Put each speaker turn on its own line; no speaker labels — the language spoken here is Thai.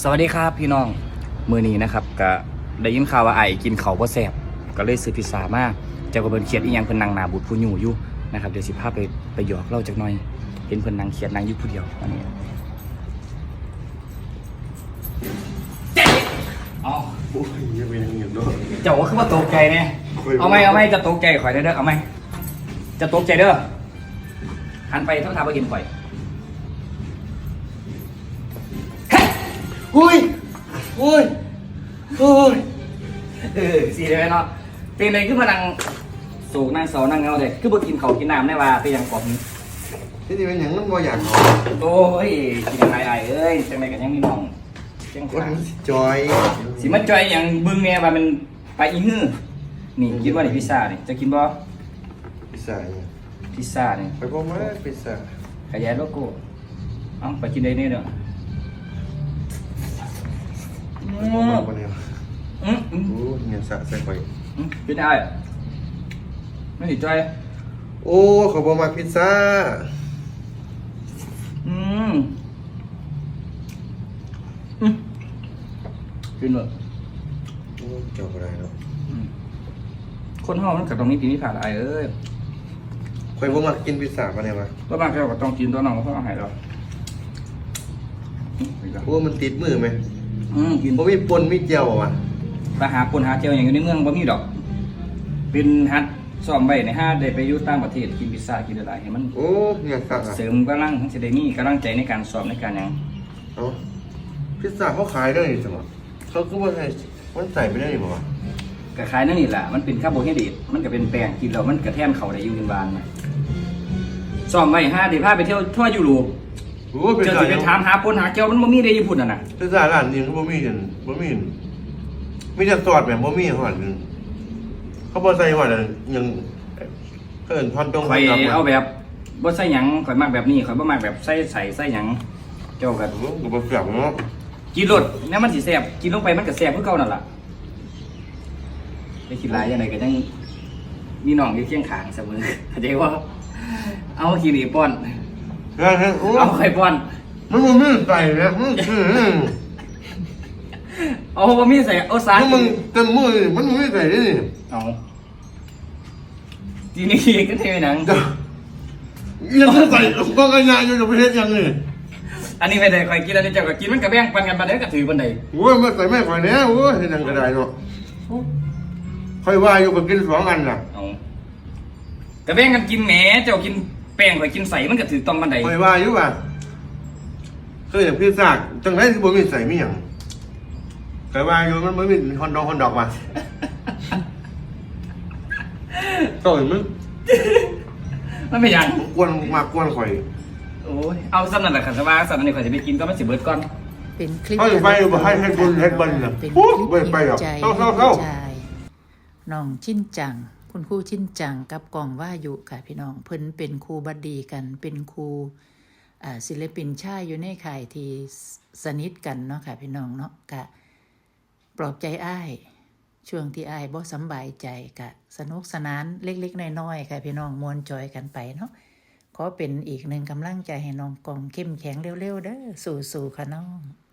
สวัสดีครับพี่น้องมื้อนี้นะครับก็ได้ยินข่าวว่าไอ้กินข้าวบ่แซ่บก็เลยซื้อพิซซ่ามาเจ้าก็เพิ่นเครียดอีหยังเพิ่นนั่งหน้าบูดผู้อยู่อยู่นะครับเดี๋ยวสิพาไปหยอกเล่าจักหน่อยเห็นเพิ่นนั่งเครียดนั่งอยู่ผู้เดียวอันนี้อ๋อ
โอ้ยยังเป็นอย่างเนาะ
เจ้าก็คือว่าตกใจแน่เอาไหมจะตกใจข่อยได้เด้อเอาไหมจะตกใจเด้อหันไปถ้าทางบ่เห็นข่อยอุ้ยสีได้ไหมเนาะเป็นอะไรขึ้นมานั่งสูงนั่งเสานั่งเงาเลยคือบ่กินเขาวกินน้ำได้ว่าไปยังกรอบนี้
ที่นี่เป็นอย่างนั้นบ่อยากนอน
โอ้ยกินอะไรเอ้ยจังไรกันยังมีน้องจัง
วั
ขาน
จอย
สิมันจอยอย่างบึ้งเนี่ยว่ามันไปอีหื้อนี่คิดว่านี่พิซซ่านี่จะกินบ่
พิซซ่าเนี่ย
พิซซ่านี่
ไปพอมาพิซซ่า
ขยายโลโก้เอ้าไปกินได้เนี่ยเด้อ
ไปพอมาคนเดียว
อืม
โอ้เงินสะใส่ไป
เป็นได้ไม่ติดใจ
โอ้เขาบอกมาพิซซ่า
อืมกินเลย
โอ้เจ้าอะไรเนาะ
คนห้องมันกับตรงนี้กินนี่ผ่านอะไรเอ้ย
ใครบอกมากินพิซซ่ามาเนี่ยมา
ก็บางแก้วก็ต้องกินตัวน้องเพราะอาหารเรา
โอ้มันติดมือไหม
กิน
ผมมีปนมีเจียวอ่ะ
ไปหาปนหาเจียวอย่างอยู่ในเมืองบ่มีดอก เป็นฮัทซ้อมไว้ในห้าได้ไปอยู่ต่างประเทศกินพิซซ่ากินอะไรให้มัน
โอ้เงินสะ
เสริมกำลังทั้งจะได้มีกำลังใจในการซ้อมในการหยัง
เอ้าพิซซ่าเขาขายได้นี่สมองเขาคือว่าไงมันใส่ไม่ได้นี่บอกว่า
ก็ขายนั่นนี่แหละมันเป็นคาร์โบไฮเดรตมันก็เป็นแป้งกินแล้วมันกระแทนเข่าได้อยู่ในบ้านนะซ้อมไว้ห้าได้พาไปเที่ยวทั่วยุโรป
โอ้พิซ
เจอ
ซ่า
สิไปถามหาปนหาเจียวมันบ่มีได้ญี่ปุ่นอ่ะนะ
พิซซ่าร้านนี้เขาบ่มีกันบ่มีมีแต่ซอสแบบบ่มีหอดนึงเขาบ่ใส่หอดยังเอิ้นพอนตรง
ข่อย
พนด
เอาแบบบ่ใส่หยังข่อยมักแบบนี้ข่อยบ่มักแบบใส่หยังเจ้าก็
โอ้ก็บ่เปรี้ยวเนาะ
กินรสเนี่ยมันสิแซ่บกินลงไปมันก็แซ่บคือเก่านั่นล่ะไปคิดหลายจังไดก็ยังมีน้องอยู่เคียงข้างเสมอเข้าใจว่าเอาขี้หนีป้อน
เฮ้ยโอ้
เอาไข่ป้อน
มันบ่มีใส่นะ
เอาบ่มีใส่เอาสาร
มันเต็มมือมันบ่มีใส่นี่
เอาทีนี้ก็เทหนัง
ยังใส่ก็กระยาอยู่จะไปเฮ็ดยังนี่
อันนี้ไม่ได้ข่อยกินอันนี้เจ้าก็กินมันก็แบ่งปันกันบัดเด้อก็ถือบันได
โอ้ยมันใส่แม่ข่อยแน่โอ้ยเฮ็ดยังก็ได้เนาะค่อยว่าอยู่ก็กิน2อันน่ะ
เอาก็แบ่งกันกินแหมเจ้ากินแป้งข่อยกินใส่มันก็ถือต้องบันได
ค่อยว่าอยู่ว่าเคยอย่างพิซซ่าจังได๋สิบ่มีใส่มีหยังค่อยว่าอยู่มันบ่มีฮอนดอกว่ะต่อยมัน
มันไม่หยัง
กวนมากวนข่อย
โอ้ยเอาซ้ำนั่นแหละค่ะแต่ว่าซ้ำอันนี้ข่อยจะไปกินก็มันสิเบิดก่อน
เป็นคลิป
เขาจะไปบ่ให้เฮ็ดบุญเฮ็ดบัญน่ะ
เป็นค
โอ้ย
ลิป
บ่ไปหรอก
ใจ
เข้า
ใจน้องชิ้นจัง คุณครูชิ้นจังกับกองว่าอยู่ค่ะพี่น้องเพิ่นเป็นครูบัดดีกัน เป็นครูศิลปินชายอยู่ในข่ายที่สนิทกันเนาะค่ะพี่น้องเนาะกะปลอบใจอ้ายช่วงที่อ้ายบ่สำบายใจกะสนุกสนานเล็กๆน้อยๆค่ะพี่น้องมวนจอยกันไปเนาะขอเป็นอีกหนึ่งกำลังใจให้น้องกองเข้มแข็งเร็วๆเด้อสู้ๆค่ะน้อง